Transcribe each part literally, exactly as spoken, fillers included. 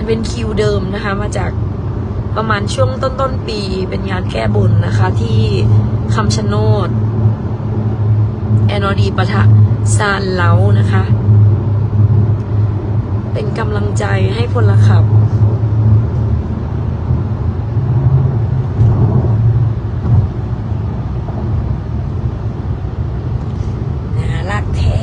เป็นคิวเดิมนะคะมาจากประมาณช่วงต้นต้นปีเป็นงานแก้บนนะคะที่คำชะโนดแอนอดีปะทะซานเล้านะคะเป็นกำลังใจให้พลขับน่ารักแท้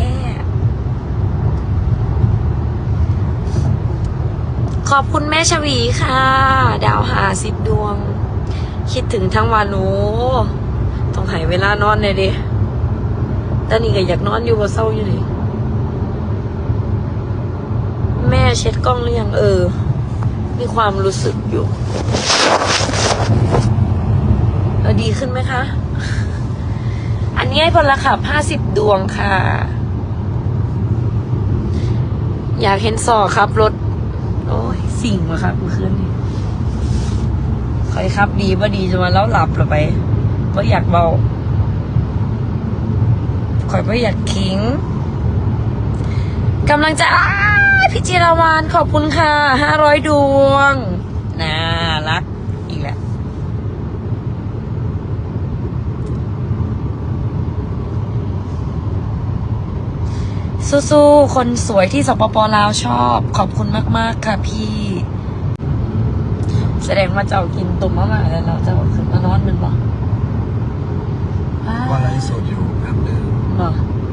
ขอบคุณแม่ชวีค่ะดาวหาสิบดวงคิดถึงทั้งวันโอ้ต้องหายเวลานอนเลยดิตอนนี้ก็อยากนอนอยู่บนเศร้าอยู่นี่แม่เช็ดกล้องหรือยังเออมีความรู้สึกอยู่เออดีขึ้นไหมคะอันนี้ให้พลขับห้าสิบดวงค่ะอยากเห็นสอครับรถโอ้ยสิ่งวะครับเมื่อคืนนี้คอยครับดีว่าดีจะมาแล้วหลับหรือไปว่าอยากเบาคอยว่าอยากขิงกำลังจะพี่จิราวรรณขอบคุณค่ะห้าร้อยดวงน่ารักอีกแล้วสู้ๆคนสวยที่สปป.ลาวชอบขอบคุณมากๆค่ะพี่แสดงว่าเจ้ากินตุ่มมะม่าแล้วเราจะขึ้นมานอนมันบอกว่าไลฟ์สดอยู่แป๊บหนึ่งบอก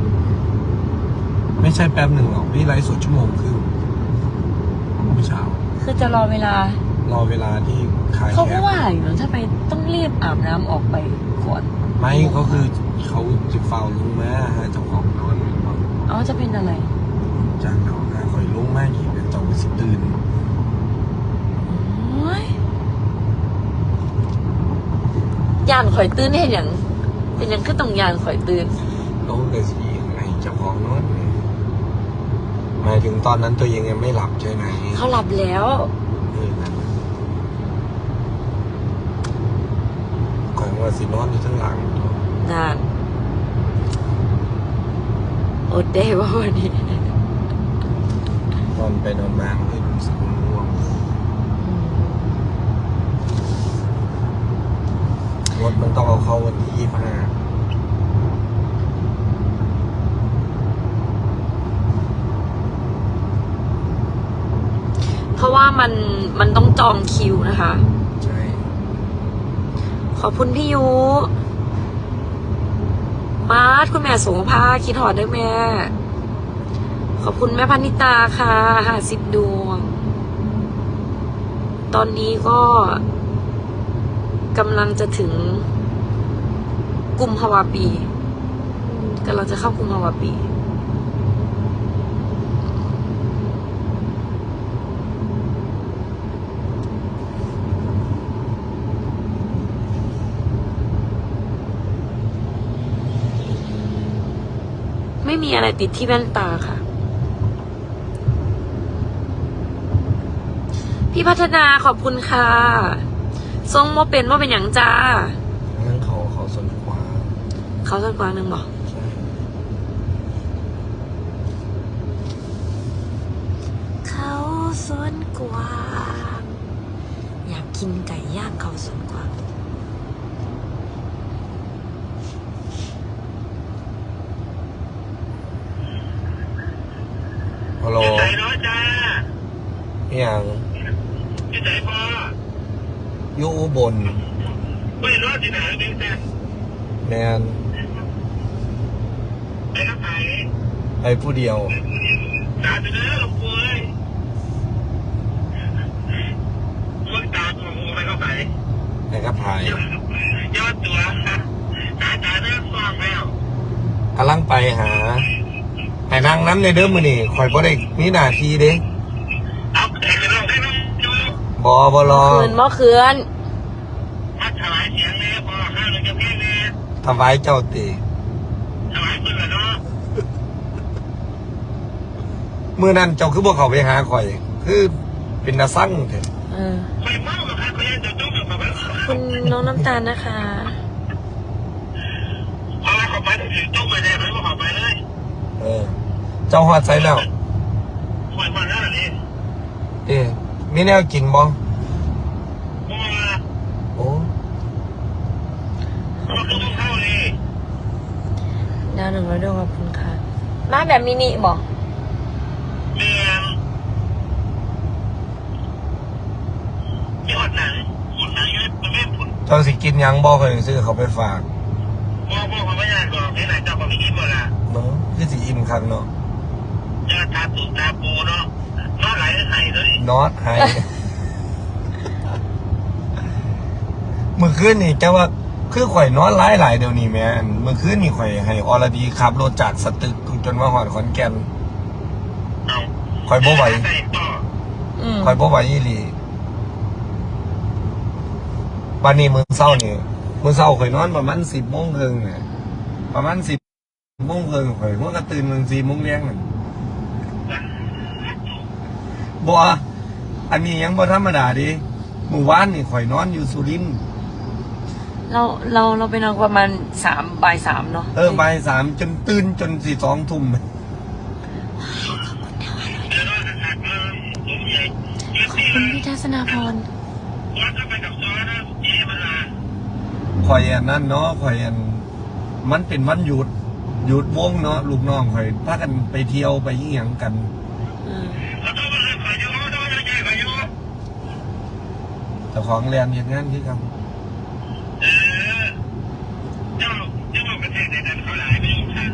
ไม่ใช่แป๊บหนึ่งหรอกพี่ไลฟ์สดชั่วโมงครึ่งเมื่อเช้าคือจะรอเวลารอเวลาที่ขายเขาก็ว่าอยู่นะทำไมต้องรีบอาบน้ำออกไปก่อนไม่ก็คือเขาจะเฝ้าลุงแม่เจ้าของนอนอ๋อจะเป็นอะไรจากเขาคอยลุงแม่กี่เป็นเจ้าสิตื่นยานข่อยตื่นให้อย่างเป็นยังก็ต้องยานข่อยตื่นเขาเกิดสีไงเจ้าของนอนหมายถึงตอนนั้นตัวเองยังไม่หลับใช่ไหมเขาหลับแล้วก่อนว่าสินอนอยู่ทั้งหลังนานอดได้ว่าวันนี้นอนไปนอนมาไม่รู้สึกง่วงรถมันต้องเอาเข้าวันที่ยี่สิบห้าเพราะว่ามันมันต้องจองคิวนะคะใช่ขอบคุณพี่ยุมาร์ทคุณแม่สงภาคิดหอดด้วยแม่ขอบคุณแม่พนิตาค่ะห้าสิบดวงตอนนี้ก็กำลังจะถึงกุมภาวะปีกำลังจะเข้ากุมภาวะปีไม่มีอะไรติดที่แว่นตาค่ะพี่พัฒนาขอบคุณค่ะทรงโมเป็นว่าเป็นอย่างจ้านั่นเขาเขาสนกว่าเขาสนกว่าหนึ่งบอกเขาสวนกวางอยากกินไก่ย่างเขาสวนกวางฮัลโหลใจน้อยจ้าอย่างใจพออยู่อุบลไม่รอดที่ไหนเองแต่แมนไอ้ข้าไผ่ไอ้ผู้เดียวตาจะเนื้อลงป่วยพวกตาตัวหูไปเข้าไปไอ้ข้าไผ่ยอดตัวตาตาเนื้อฟองแล้วกำลังไปหาไอ้นางน้ำในเดิมมือนี่คอยบ่ได้มีหน้าที่เด้เอาแต่จะลองให้น้องดูบอบอรอคืนมอคืนมาถวายเสียงเลยพอข้าวเลยจะเพี้ยนเลยถวายเจ้าตีถวายปืนเหรอเนาะเมื่อนั้นเจ้าคือบ่เขาไปหาข่อยคือเป็นนาสั่งเถอะไม่เมากับใครเขาจะจุ้มกับแบบคุณน้องน้ำตาลนะคะพอเขาไปถึงจุ้มไปเลยไม่มาขอไปเลยเออเจ้าหอดใส่แล้วหมดหมดแล้วนี่เอ๊ะมีแนวกินบ่เพราะว่าโอ้เขาคือพวกเข้าเลยดาวหนึ่งร้อยดวงขอบคุณค่ะมาแบบมินิบอกเมียงยอดหนังหุ่นหนังยืดมันไม่ผุนเจ้าสิกินหยังบ่เคยซื้อเขาไปฝากพ่อพ่อเขาไม่อยากบอกให้ไหนเจ้าของอิ่มหมดละเนาะคือสิอิ่มคักเนาะจะตาตุ่ตาปูเนาะนอนไหลไหลเลยนอตไฮ เมื่อคืนนี่แกว่าคือข่อยนอนหลายหลายๆเดี๋ยวนี้แม่นเมื่อคืนนี่ข่อยให้อรดีขับรถจากสตึกจนมาหอดขอนแก่นเอาข่อยบ่ไหวใส่ต่ออืมข่อยบ่ไหวอีหลีวันนี้มื้อเช้านี่มื้อเช้าข่อยนอนประมาณสิบโมงครึ่งเนี่ยประมาณสิบโมงครึ่งข่อยมันก็ตื่นมื้อสี่โมงแรงนั่นบ่อันนี้ยังบ่ธรรมดาดิเมื่อวานนี่ข่อยนอนอยู่สุรินทร์เราเราเราไปนอนประมาณสามบ่ายสามเนาะเออบ่ายสามจนตื่นจนสี่สองทุ่มเดี๋ยวนอนหักๆเลยผมใหญ่เยอะขอบที่คุเลณยพี่ทัศนาพรวัดก็ไปกับซอนะเย่มันละข่อยอันนั้นเนาะข่อยอันมันเป็นวันหยุดหยุดวงเนาะลูกน้องข่อยพากันไปเที่ยวไปยี่หยังกันอืมแล้วต้องมาเลยขายยูต้องมาเลยใหญ่ขายยูแต่ของแรงเฮ็ดงานคือกันเออเจ้าเจ้าบอกประเทศไหนนั้นเขาหลายไม่อยู่ข้างเลย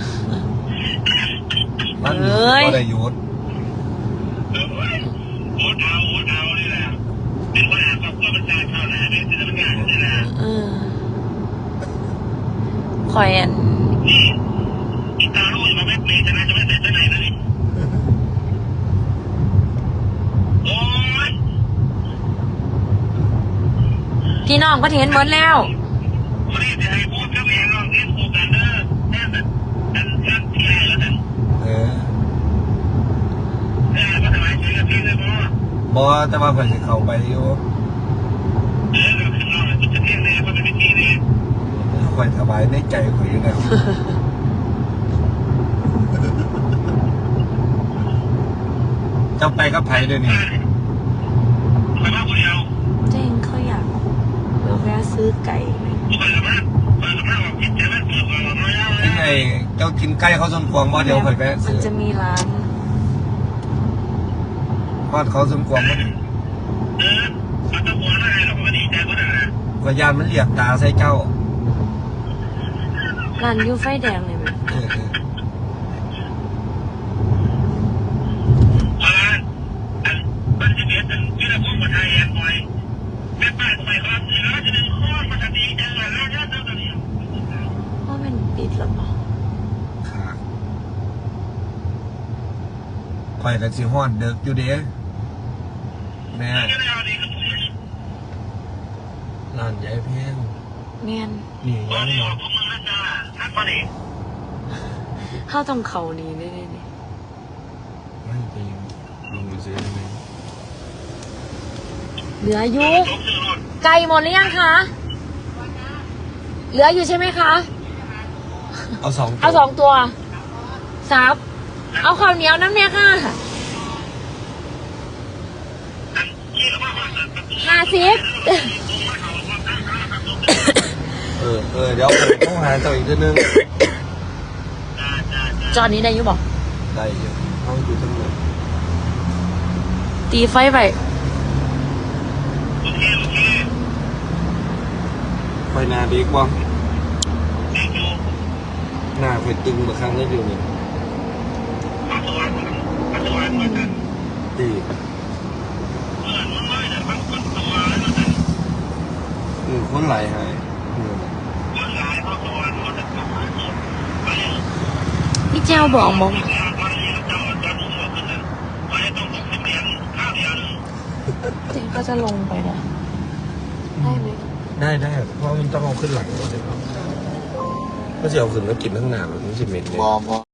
มันหยุดก็ได้หยุดเออโอ้ดาวโอ้ดาวนี่แหละเป็นคนอ่านกับก็เป็นการเข้าหนาเนี่ยจะเป็นงานนี่แหละเออคอยอันนี่อีตาลูกมาไม่เปลี่ยนจะน่าจะไม่เสร็จที่ไหนนะนี่โอ้ยพี่น้องก็เห็นหมดแล้ววันนี้จะให้พูดกับเองลองเรียนคู่กันเด้อแน่แต่แต่แต่ที่ไหนแล้วแต่เออเออก็สบายใจกับพี่เลยพ่อบ่แต่ว่าข่อยสิเข้าไปอยู่เออเราขึ้นเราเลยจะเที่ยงเลยเพราะเป็นพิธีเลยข่อยสบายในใจข่อยอยู่แล้วเจ้าไปกับไผเดี๋ยวนี้ไปบ้านคนเดียวเจ้งเขาอยากเราแวะซื้อไก่ไหมไปกับบ้านไปกับบ้านบอกกินแต่ไม่เปิดก่อนเราไม่เอายังไงเจ้ากินไก่เขาสมควงบ่เดี๋ยวข่อยแวะมัซื้นอจะมีร้านทอดเขาสมควงบ่เออเขาจะหัวอะไรเราก็ดีใจก็ได้นะก็ยานมันเหลียกตาใส่เจ้าร้านยูไฟแดงเลยไหมเออเออเอาละอันบ้านที่เบียดอันที่เราพูดมาไทยแอนบอยแม่ป้าทำไมครับเดี๋ยวเราจะดึงข้อมาทันทีจังหวะแล้วเนี่ยเจ้าตัวนี้ว่ามันปิดแล้วเปล่าค่ะข่อยก็สิฮอดเด็กอยู่เด้แม่จะได้เอาดีกับผมร้านใหญ่แพงแมนนี่ตอยันงนี้ออเนาะกของมึงนะจ๊ะทักมาดิเข้าตรงเขานี้ได้เลยนี่ไม่ไปลงไปซื้อได้ไหมเหลืออยู่จบซื้อรถไก่หมดหรือยังคะเหลืออยู่ใช่ไหมคะเอาสองเอาสองตัวซับเอาข้าวเหนียวน้ำเนี่ยค่ะที่เราว่าว่าประตูห้าสิบเออเออเดี๋ยวผมต้องหาเจ้าอีกทีนึงจอนนี้ได้อยุบอกได้อยู่ห้องอยู่ทั้งหมดตีไฟไปโอเคโอเคไฟหนาดีกว่าเด็กอยู่หน้าไฟตึงมาครั้งได้อยู่นี่ปัจจุบันปัจจุบันมันจะดีเมื่อมันไม่ได้บางคนตัวแล้วมันจะอือคนไหลายหายอืมคนหลายเพราะตัวมันจะกลับมาที่ไปพี่เจ้าบอกมองแล้วตอนนี้เราจะจะรู้ว่าคือไปต้องหกสิบเหรียญข้าวเดียวนึงเจ๊ก็จะลงไปนะได้ไหมได้ได้เพราะมันต้องเอาขึ้นหลังก่อนเลยครับก็จะเอาขึ้นแล้วกินทั้งหนาแบบนี้สิเม็ดเนี่ย